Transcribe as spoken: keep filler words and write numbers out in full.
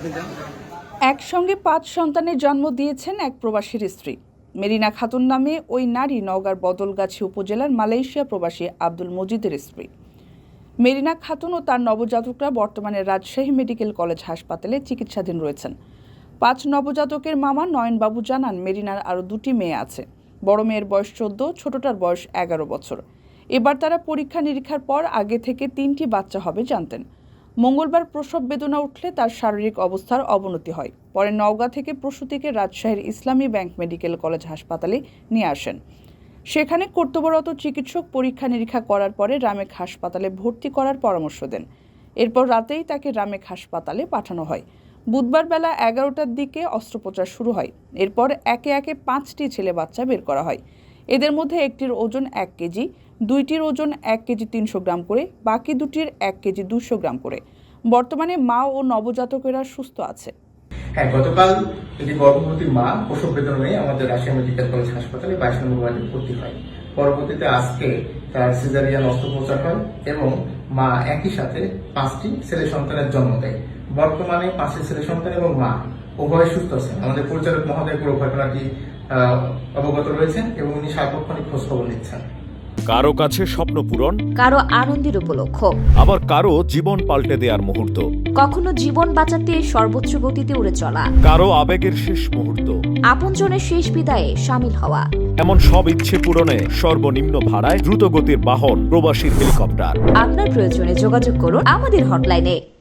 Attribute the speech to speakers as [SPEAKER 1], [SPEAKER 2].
[SPEAKER 1] একসঙ্গে পাঁচ সন্তানের জন্ম দিয়েছেন এক প্রবাসীর স্ত্রী। মেরিনা খাতুন নামে ওই নারী নওগাঁর বদলগাছি উপজেলার মালয়েশিয়া প্রবাসী আব্দুল মজিদের স্ত্রী। মেরিনা খাতুন ও তার নবজাতকরা বর্তমানে রাজশাহী মেডিকেল কলেজ হাসপাতালে চিকিৎসাধীন রয়েছেন। পাঁচ নবজাতকের মামা নয়নবাবু জানান, মেরিনার আরও দুটি মেয়ে আছে। বড় মেয়ের বয়স চোদ্দ, ছোটটার বয়স এগারো বছর। এবার তারা পরীক্ষা নিরীক্ষার পর আগে থেকে তিনটি বাচ্চা হবে জানতেন। মঙ্গলবার প্রসব বেদনা উঠলে তার শারীরিক অবস্থার অবনতি হয়। পরে নওগাঁ থেকে প্রসূতিকে রাজশাহীর ইসলামী ব্যাংক মেডিকেল কলেজ হাসপাতালে নিয়ে আসেন। সেখানে কর্তব্যরত চিকিৎসক পরীক্ষা নিরীক্ষা করার পরে রামেক হাসপাতালে ভর্তি করার পরামর্শ দেন। এরপর রাতেই তাকে রামেক হাসপাতালে পাঠানো হয়। বুধবার বেলা এগারোটার দিকে অস্ত্রোপচার শুরু হয়। এরপর একে একে পাঁচটি ছেলে বাচ্চা বের করা হয়। এদের মধ্যে একটির ওজন এক কেজি, দুইটির ওজন এক কেজি তিনশো গ্রাম করে, বাকি দুটির এক কেজি দুশো গ্রাম করে। বর্তমানে মা ও নবজাতকেরা সুস্থ আছে।
[SPEAKER 2] হ্যাঁ, গতকাল একটি গর্ভবতী মা প্রসব বেদনা নিয়ে আমাদের রাজশাহী মেডিকেল কলেজ হাসপাতালে বাইশ নম্বর ওয়ার্ডে ভর্তি হয়। পরবর্তীতে আজকে তার সিজারিয়ান অস্ত্রোপচার হয় এবং মা একই সাথে পাঁচটি ছেলে সন্তানের জন্ম দেয়। বর্তমানে পাঁচটি ছেলে সন্তান এবং মা উভয় সুস্থ আছেন। আমাদের পরিচালক মহোদয় পুরো ঘটনাটি অবগত রয়েছেন এবং উনি সার্বক্ষণিক খোঁজ খবর নিচ্ছেন।
[SPEAKER 3] কারো কাছে স্বপ্ন পূরণ,
[SPEAKER 4] কারো আনন্দের উপলক্ষ,
[SPEAKER 3] আবার কারো জীবন পাল্টে দেওয়ার মুহূর্ত,
[SPEAKER 4] কখনো জীবন বাঁচাতে সর্বোচ্চ গতিতে উড়ে চলা,
[SPEAKER 3] কারো আবেগের শেষ মুহূর্ত,
[SPEAKER 4] আপনজনের শেষ বিদায়ে শামিল হওয়া।
[SPEAKER 3] এমন সব ইচ্ছে পূরণে সর্বনিম্ন ভাড়ায় দ্রুত গতির বাহন প্রবাসীর হেলিকপ্টার।
[SPEAKER 4] আপনার প্রয়োজনে যোগাযোগ করুন আমাদের হটলাইনে।